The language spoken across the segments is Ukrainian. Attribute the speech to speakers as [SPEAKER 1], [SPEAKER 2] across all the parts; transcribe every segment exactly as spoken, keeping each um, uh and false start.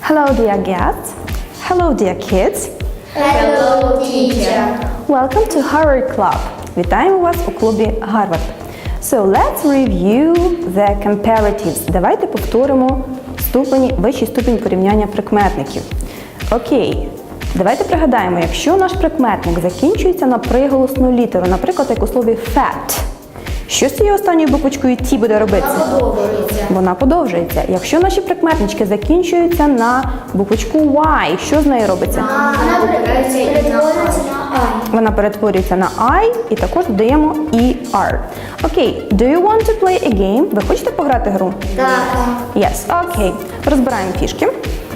[SPEAKER 1] Hello, dear guests. Hello, dear kids.
[SPEAKER 2] Hello, teacher.
[SPEAKER 1] Welcome to Harvard Club. Вітаємо вас у клубі Гарвард. So, let's review the comparatives. Давайте повторимо ступені, вищий ступінь порівняння прикметників. Окей. Давайте пригадаємо, якщо наш прикметник закінчується на приголосну літеру, наприклад, як у слові fat, що з цією останньою буквочкою T буде робитися?
[SPEAKER 2] Вона подовжується.
[SPEAKER 1] Вона подовжується. Якщо наші прикметнички закінчуються на буквочку Y, що з нею робиться?
[SPEAKER 2] Вона перетворюється на I.
[SPEAKER 1] Вона перетворюється на I і також додаємо і ар. Окей, do you want to play a game? Ви хочете пограти гру?
[SPEAKER 2] Так.
[SPEAKER 1] Yes, окей. Розбираємо фішки.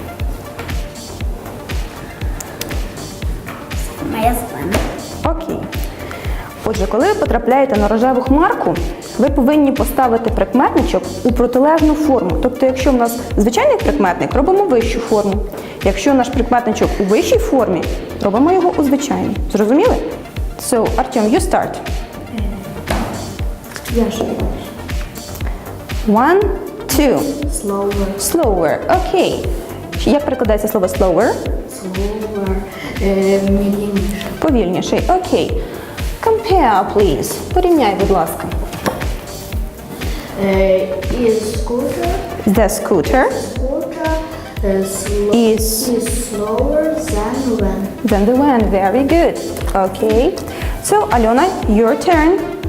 [SPEAKER 2] Моя спина.
[SPEAKER 1] Окей. Отже, коли ви потрапляєте на рожеву хмарку, ви повинні поставити прикметничок у протилежну форму. Тобто, якщо в нас звичайний прикметник, робимо вищу форму. Якщо наш прикметничок у вищій формі, робимо його у звичайній. Зрозуміли? So, Артем, you start.
[SPEAKER 2] Я ж.
[SPEAKER 1] One, two.
[SPEAKER 2] Slower.
[SPEAKER 1] Slower. Окей. Як перекладається слово slower?
[SPEAKER 2] Slower. Е, Медленніше.
[SPEAKER 1] Повільніший. Окей. Compare, please. Порівняй, будь ласка.
[SPEAKER 2] Е, Is scooter.
[SPEAKER 1] The scooter
[SPEAKER 2] Scooter е, slow,
[SPEAKER 1] is
[SPEAKER 2] is slower than when.
[SPEAKER 1] then the van. Very good. Okay. So, Alona, your turn.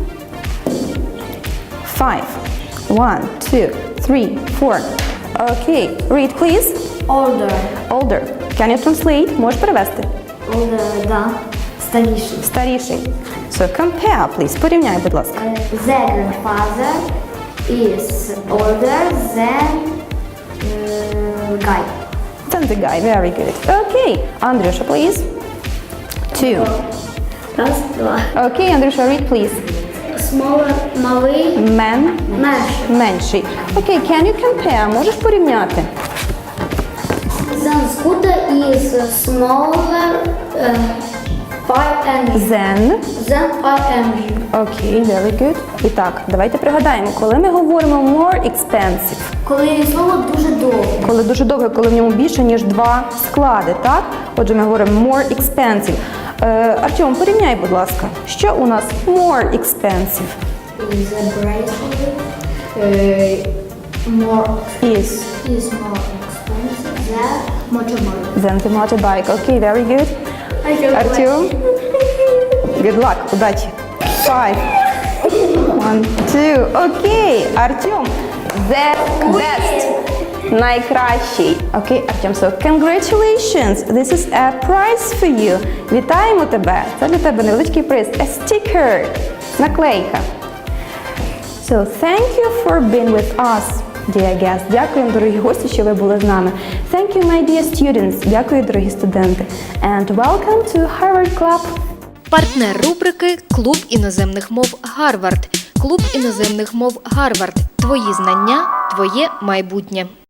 [SPEAKER 1] Five. One, two, three, four. Okay. Read, please.
[SPEAKER 2] Older.
[SPEAKER 1] Older. Can you translate? Можеш перевести?
[SPEAKER 2] Older, да. Старіший.
[SPEAKER 1] Старіший. So, compare, please. Порівняй, будь ласка.
[SPEAKER 2] Е, The grandfather is older than е, guy.
[SPEAKER 1] Then the guy. Very good. Okay. Andrusha, please. Two.
[SPEAKER 2] Раз, два.
[SPEAKER 1] Okay, Andrusha, read, please.
[SPEAKER 2] Smaller, малий,
[SPEAKER 1] Man.
[SPEAKER 2] менший.
[SPEAKER 1] Менший. Окей, okay, can you compare? Можеш порівняти?
[SPEAKER 2] Then scooter is smaller uh, five M G.
[SPEAKER 1] Then.
[SPEAKER 2] Then five M G.
[SPEAKER 1] Окей, okay, very good. І так, давайте пригадаємо, коли ми говоримо more expensive,
[SPEAKER 2] Коли слово дуже довге.
[SPEAKER 1] коли дуже довго, коли в ньому більше, ніж два склади, так? Отже, ми говоримо more expensive. Е, Артем, порівняй, будь ласка, що у нас more expensive?
[SPEAKER 2] Is a bracelet uh, more
[SPEAKER 1] Is
[SPEAKER 2] is more expensive than motorbike.
[SPEAKER 1] then the motorbike. Окей, okay, very good. Артем, good luck, удачі. Five. One, two. Окей, Артем, the best. Найкращий. Окей, Артем, so congratulations. This is a prize for you. Вітаємо тебе. Це для тебе невеличкий приз. A sticker. Наклейка. So, thank you for being with us, dear guests. Дякуємо, дорогі гості, що ви були з нами. Thank you, my dear students. Дякую, дорогі студенти. And welcome to Harvard Club.
[SPEAKER 3] Партнер рубрики «Клуб іноземних мов Гарвард». Клуб іноземних мов Гарвард. Твої знання, твоє майбутнє.